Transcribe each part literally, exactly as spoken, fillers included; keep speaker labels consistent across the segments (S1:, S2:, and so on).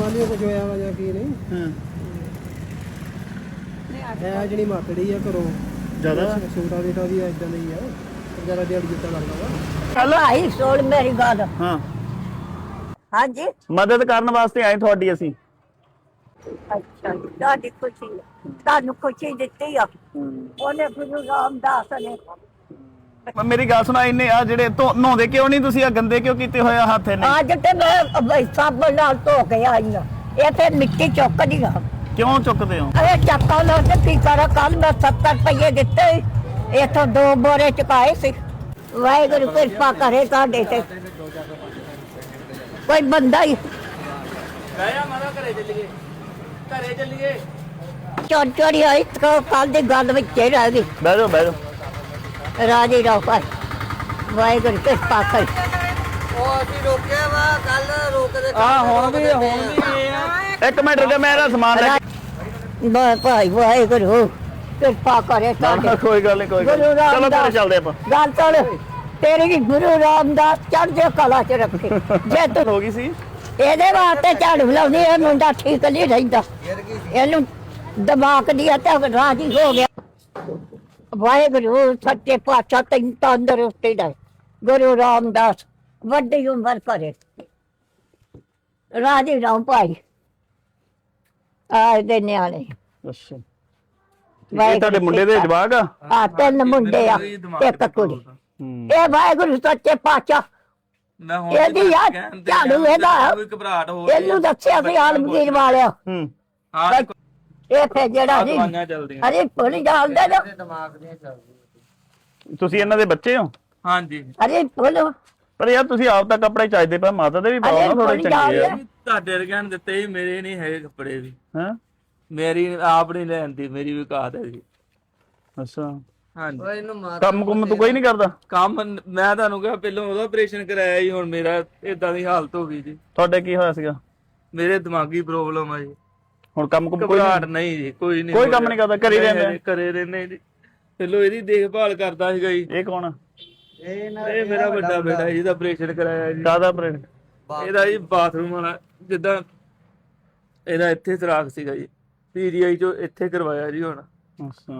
S1: ਪਤਾ ਨਹੀਂ ਕੁਝ ਹੋਇਆ ਵਾ ਜਾਂ ਕੀ ਨਹੀਂ।
S2: ਹਾਂ
S1: ਇਹ ਜਿਹੜੀ ਮਾਤੜੀ ਆ ਘਰੋਂ
S2: ਜ਼ਿਆਦਾ
S1: ਛੋਟਾ ਬੇਟਾ ਵੀ ਇਦਾਂ ਦਾ ਹੀ ਆ, ਜ਼ਿਆਦਾ ਦਿਹਾੜੀ ਜਿੱਦਾਂ ਲੱਗਦਾ ਵਾ।
S3: ਹਲੋ ਆਈ ਸੋਲ ਮੇਰੀ ਗੱਲ।
S2: ਹਾਂ
S3: ਹਾਂਜੀ
S2: ਮਦਦ ਕਰਨ ਵਾਸਤੇ ਆਏ ਤੁਹਾਡੀ ਅਸੀਂ।
S3: ਅੱਛਾ ਤੁਹਾਡੀ ਖੁਸ਼ੀ ਹੈ। ਤੁਹਾਨੂੰ ਖੁਸ਼ੀ ਦਿੱਤੀ ਆ ਉਹਨੇ ਗੁਰੂ ਰਾਮਦਾਸ ਨੇ।
S2: ਮੇਰੀ ਗੱਲ ਸੁਣਾ, ਇਹਨੇ ਆ ਜਿਹੜੇ ਧੋ- ਨਹਾਉਂਦੇ ਕਿਉਂ ਨਹੀਂ ਤੁਸੀਂ? ਆ ਗੰਦੇ ਕਿਉਂ ਕੀਤੇ ਹੋਏ ਆ ਹੱਥ ਇਹਨੇ?
S3: ਅੱਜ ਤੇ ਮੈਂ ਬਈ ਸਾਬਣ ਨਾਲ ਧੋ ਕੇ ਆਈ ਆ। ਇਹ ਤੇ ਮਿੱਟੀ ਚੁੱਕਦੀ ਆ।
S2: ਕਿਉਂ ਚੁੱਕਦੇ ਹੋ?
S3: ਇਹ ਚੱਕਾ ਲਾ ਕੇ ਕੀ ਕਰਾਂ? ਕੱਲ ਮੈਂ ਸੱਤਰ ਰੁਪਏ ਦਿੱਤੇ, ਇਥੋਂ ਦੋ ਬੋਰੇ ਚੁਕਾਏ ਸੀ। ਵਾਹਿਗੁਰੂ ਕਿਰਪਾ ਕਰੇ ਤੁਹਾਡੇ ਤੇ। ਕੋਈ ਬੰਦਾ ਹੀ
S4: ਗਾਇਆ ਮਾਰਾ ਘਰੇ ਚੱਲੀਏ, ਘਰੇ ਚੱਲੀਏ।
S3: ਚੋਰੀ ਚੋਰੀ ਆਈ ਕੱਲ ਦੀ ਗੱਲ ਵਿੱਚ ਹੀ ਰਹਿ ਗਈ।
S2: ਬਹਿ ਜਾਓ ਬਹਿ ਜਾਓ।
S3: ਰਾਜੀ ਰਹੋ ਭਾਈ, ਵਾਹਿਗੁਰੂ ਕਿਰਪਾ ਕਰੇ।
S4: ਉਹ ਅਸੀਂ ਰੋਕਿਆ ਵਾ ਕੱਲ ਰੋਕਦੇ
S2: ਆ ਹੁਣ ਵੀ ਹੁਣ ਵੀ ਇਹ ਆ। ਇੱਕ ਮਿੰਟ ਰੁਕ, ਮੈਂ ਇਹਦਾ ਸਮਾਨ ਲੈ ਕੇ।
S3: ਬਾ ਭਾਈ ਵਾਹਿਗੁਰੂ ਕਿਰਪਾ ਕਰੇ
S2: ਨਾ,
S3: ਤੁਹਾਡੇ।
S2: ਕੋਈ ਗੱਲ ਨਹੀਂ ਕੋਈ ਗੱਲ
S3: ਗੁਰੂ
S2: ਨੀ। ਚਲੋ ਘਰੇ
S3: ਰਾਮਦਾਸ
S2: ਚੱਲਦੇ ਆਪਾਂ।
S3: ਗੱਲ ਸੁਣ, ਤੇਰੀ ਗੁਰੂ ਰਾਮਦਾਸ ਚੜ੍ਹਦੇ ਕਲਾ ਚ ਰੱਖੇ। ਜੇ ਤੂੰ
S2: ਹੋ ਗਈ ਸੀ
S3: ਇਹਦੇ ਵਾਸਤੇ ਝਾੜੂ ਲਾਉਂਦੀ, ਇਹ ਮੁੰਡਾ ਠੀਕ ਨਹੀਂ ਰਹਿੰਦਾ। ਇਹਨੂੰ ਦਿਮਾਗ ਦੀ ਤੇ ਰਾਜੀ ਹੋ ਗਿਆ। ਵਾਹਿਗੁਰੂ ਸੱਚੇ ਪਾਤਸ਼ਾਹ ਤੈਨੂੰ ਤੰਦਰੁਸਤੀ ਦੇ। ਗੁਰੂ ਰਾਮਦਾਸ ਵੱਡੀ ਉਮਰ ਕਰੇ। ਰਾਜੀ ਰਹੋ ਭਾਈ। ਆਏ ਦੇ ਨਿਆਣੇ
S2: ਅੱਛਾ ਇਹ ਤੁਹਾਡੇ ਮੁੰਡੇ ਦੇ ਜਵਾਕ ਆ?
S3: ਆ ਤਿੰਨ ਮੁੰਡੇ ਆ ਇੱਕ ਕੁੜੀ।
S2: ਹੂੰ
S3: ਇਹ ਵਾਹਿਗੁਰੂ ਸੱਚੇ ਪਾਤਸ਼ਾਹ
S4: ਮੈਂ ਹੁਣ
S3: ਇਹਦੀ ਯਾਦ ਝਾੜੂ ਇਹਦਾ।
S4: ਕੋਈ ਘਬਰਾਹਟ ਹੋ
S3: ਇਹਨੂੰ ਦੱਸਿਆ ਸੀ ਆਲਮਗੀਰ ਵਾਲਿਆ।
S2: ਹੂੰ
S4: ਹਾਂ
S3: ਇਹ ਫੇ ਜਿਹੜਾ ਜੀ
S4: ਦਵਾਈਆਂ ਚੱਲਦੀਆਂ।
S3: ਅਰੇ ਪੁਲਿਸ ਜਾਣਦੇ ਨਾ।
S2: ਤੁਸੀਂ ਇਹਨਾਂ ਦੇ ਬੱਚੇ ਹੋ?
S4: ਹਾਂਜੀ
S3: ਅਰੇ ਪੁਲਿਸ
S2: ਪਰ ਯਾਰ ਤੁਸੀਂ ਆਪ ਤਾਂ ਕੱਪੜੇ ਚਾਹੀਦੇ ਪਏ, ਮਾਤਾ ਦੇ ਵੀ ਪਾਓ ਨਾ ਥੋੜੇ ਚੰਗੇ ਆ।
S4: ਤੁਹਾਡੇ ਵਰਗਿਆਂ ਨੇ ਦਿੱਤੇ ਸੀ, ਮੇਰੇ ਨਹੀਂ ਹੈਗੇ ਕੱਪੜੇ ਵੀ।
S2: ਹਾਂ
S4: ਮੇਰੀ ਆਪ ਨਹੀਂ ਲੈਂਦੀ, ਮੇਰੀ ਵੀ ਕਾਤ ਹੈ ਜੀ।
S2: ਅੱਛਾ
S4: ਹਾਂਜੀ
S2: ਕੰਮ ਕੁੰਮ ਤੂੰ ਕੋਈ ਨਹੀਂ ਕਰਦਾ?
S4: ਕੰਮ ਮੈਂ ਤੁਹਾਨੂੰ ਕਿਹਾ ਪਹਿਲਾਂ ਉਹਦਾ ਆਪਰੇਸ਼ਨ ਕਰਾਇਆ ਜੀ, ਹੁਣ ਮੇਰਾ ਇਦਾਂ ਦੀ ਹਾਲਤ ਹੋ ਗਈ ਜੀ।
S2: ਤੁਹਾਡੇ ਕੀ ਹੋਇਆ ਸੀਗਾ?
S4: ਮੇਰੇ ਦਿਮਾਗੀ ਪ੍ਰੋਬਲਮ ਆ ਜੀ।
S2: ਹੁਣ ਕੰਮ ਕੁੰਮ ਕੋਈ
S4: ਘਬਰਾਹਟ ਨਹੀਂ ਜੀ, ਕੋਈ ਨਹੀਂ।
S2: ਕੋਈ ਕੰਮ ਨਹੀਂ ਕਰਦਾ, ਘਰੇ ਰਹਿੰਦੇ ਆ?
S4: ਘਰੇ ਰਹਿੰਦੇ ਜੀ। ਪਹਿਲਾਂ ਇਹਦੀ ਦੇਖਭਾਲ ਕਰਦਾ ਸੀਗਾ ਜੀ।
S2: ਇਹ ਕੌਣ ਆ?
S4: ਇਹ ਮੇਰਾ ਵੱਡਾ ਬੇਟਾ ਜੀ, ਦਾ ਆਪਰੇਸ਼ਨ ਕਰਾਇਆ ਜੀ।
S2: ਕਾਹਦਾ ਆਪਰੇਟ?
S4: ਇਹਦਾ ਜੀ ਬਾਥਰੂਮ ਵਾਲਾ, ਜਿੱਦਾਂ ਇਹਦਾ ਇੱਥੇ ਸਰਾਖ ਸੀਗਾ ਜੀ, ਪੀਜੀਆਈ ਚੋਂ ਇੱਥੇ ਕਰਵਾਇਆ ਜੀ। ਹੁਣ
S2: ਅੱਛਾ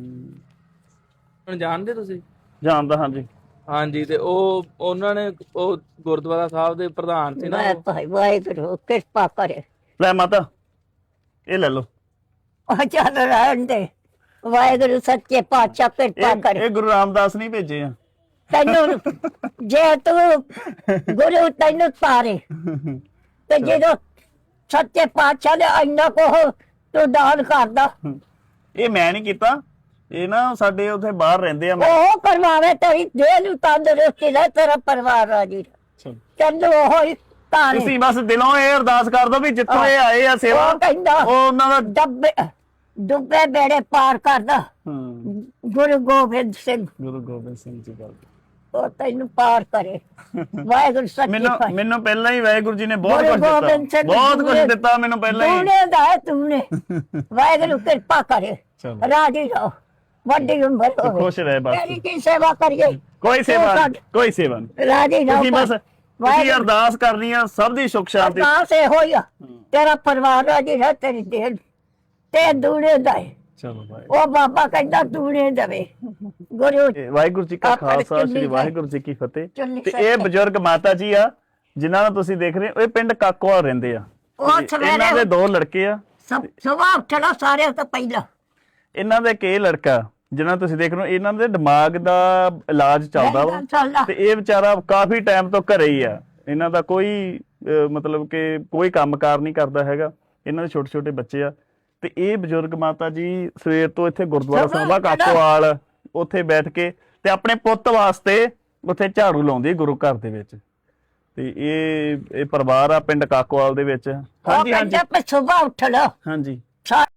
S4: ਹੁਣ ਜਾਣਦੇ ਤੁਸੀਂ?
S2: ਜਾਣਦਾ ਹਾਂਜੀ।
S4: ਹਾਂਜੀ ਤੇ ਉਹ ਉਹਨਾਂ ਨੇ ਉਹ ਗੁਰਦੁਆਰਾ ਸਾਹਿਬ ਦੇ ਪ੍ਰਧਾਨ ਸੀ ਨਾ
S3: ਮੈਂ
S4: ਉਹ।
S3: ਭਾਈ ਵਾਹਿਗੁਰੂ ਕਿਰਪਾ ਕਰੇ।
S2: ਲੈ ਮਾਤਾ ਇਹ ਲੈ ਲਓ।
S3: ਉਹ ਚੱਲ ਰਹਿਣ ਦੇ। ਵਾਹਿਗੁਰੂ ਸੱਚੇ ਪਾਤਸ਼ਾਹ ਕਿਰਪਾ
S2: ਇਹ
S3: ਕਰੇ।
S2: ਇਹ ਗੁਰੂ ਰਾਮਦਾਸ ਨਹੀਂ ਭੇਜੇ ਆ।
S3: ਤੈਨੂੰ ਜੇ ਤੂੰ ਗੁਰੂ ਤੈਨੂੰ ਤਾਰੇ ਤੇ ਜਦੋਂ ਸੱਚੇ ਪਾਤਸ਼ਾਹ ਨੇ ਇੰਨਾ ਕੋ ਤੂੰ ਦਾਨ ਕਰਦਾ,
S2: ਇਹ ਮੈਂ ਨਹੀਂ ਕੀਤਾ, ਇਹ ਨਾ ਸਾਡੇ ਉੱਥੇ ਬਾਹਰ ਰਹਿੰਦੇ ਆ। ਮੈਂ
S3: ਉਹ ਕਰਵਾਵੇ ਤੇਰੀ ਦੇਹ ਨੂੰ ਤੰਦਰੁਸਤੀ ਲੈ, ਤੇਰਾ ਪਰਿਵਾਰ ਰਾਜੀ ਚੱਲੋ। ਉਹ ਹੀ ਤਾਰੇ।
S2: ਤੁਸੀਂ ਬਸ ਦਿਲੋਂ ਇਹ ਅਰਦਾਸ ਕਰ ਦੋ ਵੀ ਜਿੱਥੋਂ ਇਹ ਆਏ ਆ ਸੇਵਾ,
S3: ਉਹ ਕਹਿੰਦਾ
S2: ਉਹ ਉਹਨਾਂ ਦਾ।
S3: ਡੱਬੇ ਡੁੱਬੇ ਬੇੜੇ ਪਾਰ ਕਰਦਾ
S2: ਹੂੰ
S3: ਗੁਰੂ ਗੋਬਿੰਦ ਸਿੰਘ।
S2: ਗੁਰੂ ਗੋਬਿੰਦ ਸਿੰਘ ਜੀ ਗੱਲ।
S3: ਉਹ ਤੈਨੂੰ ਪਾਰ ਕਰੇ। ਵਾਹਿਗੁਰੂ ਸੱਚੇ
S2: ਮੈਨੂੰ
S3: ਪਾਤਸ਼ਾਹ।
S2: ਮੈਨੂੰ ਪਹਿਲਾਂ ਹੀ ਵਾਹਿਗੁਰੂ ਜੀ ਨੇ ਬਹੁਤ
S3: ਗੁਰੂ
S2: ਕੁਝ
S3: ਗੋਬਿੰਦ
S2: ਦਿੱਤਾ,
S3: ਸਿੰਘ
S2: ਬਹੁਤ ਕੁਝ
S3: ਦੂਣੇ-
S2: ਦਿੱਤਾ ਮੈਨੂੰ ਪਹਿਲਾਂ ਹੀ।
S3: ਦੂਣੇ ਦਾ ਹੈ ਤੂਨੇ। ਵਾਹਿਗੁਰੂ ਕਿਰਪਾ ਕਰੇ।
S2: ਚਲੋ।
S3: ਰਾਜੀ ਰਹੋ, ਵੱਡੀ ਉਮਰ ਹੋਵੇ।
S2: ਖੁਸ਼ ਰਹੇ ਬਸ।
S3: ਤੇਰੀ ਕੀ ਸੇਵਾ ਕਰੀਏ?
S2: ਕੋਈ ਸੇਵਾ
S3: ਤੂੰ
S2: ਨਹੀਂ, ਕੋਈ ਸੇਵਾ ਨਹੀਂ।
S3: ਰਾਜੀ ਰਹੋ।
S2: ਤੁਸੀਂ ਬਸ ਤੁਸੀਂ ਅਰਦਾਸ ਕਰਨੀ ਆ ਸਭ ਦੀ ਸੁੱਖ ਸ਼ਾਂਤੀ।
S3: ਅਰਦਾਸ ਇਹੋ ਹੀ ਆ, ਤੇਰਾ ਪਰਿਵਾਰ ਰਾਜੀ ਰਹੇ, ਤੇਰੀ ਦੇਹ ਤੇ ਦੂਣੇ ਦਾ ਹੈ।
S2: ਚਲੋ ਭਾਈ।
S3: ਉਹ ਬਾਬਾ ਕਹਿੰਦਾ ਦੂਣੇ ਦੇਵੇ। ਗੁਰੂ
S2: ਇਹ ਵਾਹਿਗੁਰੂ ਜੀ ਕਾ
S3: ਆਪਣੇ
S2: ਖਾਲਸਾ,
S3: ਚੁੰਨੀ
S2: ਸ੍ਰੀ
S3: ਦਾ-
S2: ਵਾਹਿਗੁਰੂ ਜੀ ਕੀ ਫਤਿਹ।
S3: ਚੁੰਨੀ
S2: ਤੇ
S3: ਸਾਹਿਬ
S2: ਇਹ ਬਜ਼ੁਰਗ ਮਾਤਾ ਜੀ ਆ ਜਿਨ੍ਹਾਂ ਨੂੰ ਤੁਸੀਂ ਦੇਖ ਰਹੇ ਹੋ, ਇਹ ਪਿੰਡ ਕਾਕੋਵਾਲ ਰਹਿੰਦੇ ਆ।
S3: ਉਹ
S2: ਤੇ ਇਹਨਾਂ
S3: ਸਵੇਰੇ
S2: ਦੇ ਦੋ ਲੜਕੇ ਆ।
S3: ਸੁਬਾਹ ਉੱਠਣਾ ਸਾਰਿਆਂ ਤੋਂ ਪਹਿਲਾਂ।
S2: ਇਹਨਾਂ ਦਾ ਇੱਕ ਇਹ ਲੜਕਾ ਜਿਨ੍ਹਾਂ ਤੁਸੀਂ ਦੇਖ ਰਹੇ ਹੋ, ਇਹਨਾਂ ਦੇ ਦਿਮਾਗ ਦਾ ਇਲਾਜ ਚੱਲਦਾ ਵਾ,
S3: ਚੱਲਦਾ।
S2: ਤੇ ਇਹ ਵਿਚਾਰਾ ਕਾਫੀ ਟਾਈਮ ਤੋਂ ਘਰੇ ਹੀ ਆ। ਇਹਨਾਂ ਦਾ ਕੋਈ ਅਹ, ਮਤਲਬ ਕਿ ਕੋਈ ਕੰਮਕਾਰ ਨਹੀਂ ਕਰਦਾ ਹੈਗਾ। ਇਹਨਾਂ ਦੇ ਛੋਟੇ ਛੋਟੇ ਬੱਚੇ ਆ। ਤੇ ਇਹ ਬਜ਼ੁਰਗ ਮਾਤਾ ਜੀ ਸਵੇਰ ਤੋਂ ਇੱਥੇ ਗੁਰਦੁਆਰਾ ਸਾਹਿਬ ਆ ਕਾਕੋਵਾਲ, ਉੱਥੇ ਬੈਠ ਕੇ ਤੇ ਆਪਣੇ ਪੁੱਤ ਵਾਸਤੇ ਉੱਥੇ ਝਾੜੂ ਲਾਉਂਦੀ ਗੁਰੂ ਘਰ ਦੇ ਵਿੱਚ। ਤੇ ਇਹ ਇਹ ਪਰਿਵਾਰ ਆ ਪਿੰਡ ਕਾਕੋਵਾਲ ਦੇ ਵਿੱਚ। ਹਾਂਜੀ ਹਾਂਜੀ
S3: ਸੁਬਾਹ ਉੱਠਣਾ
S2: ਹਾਂਜੀ।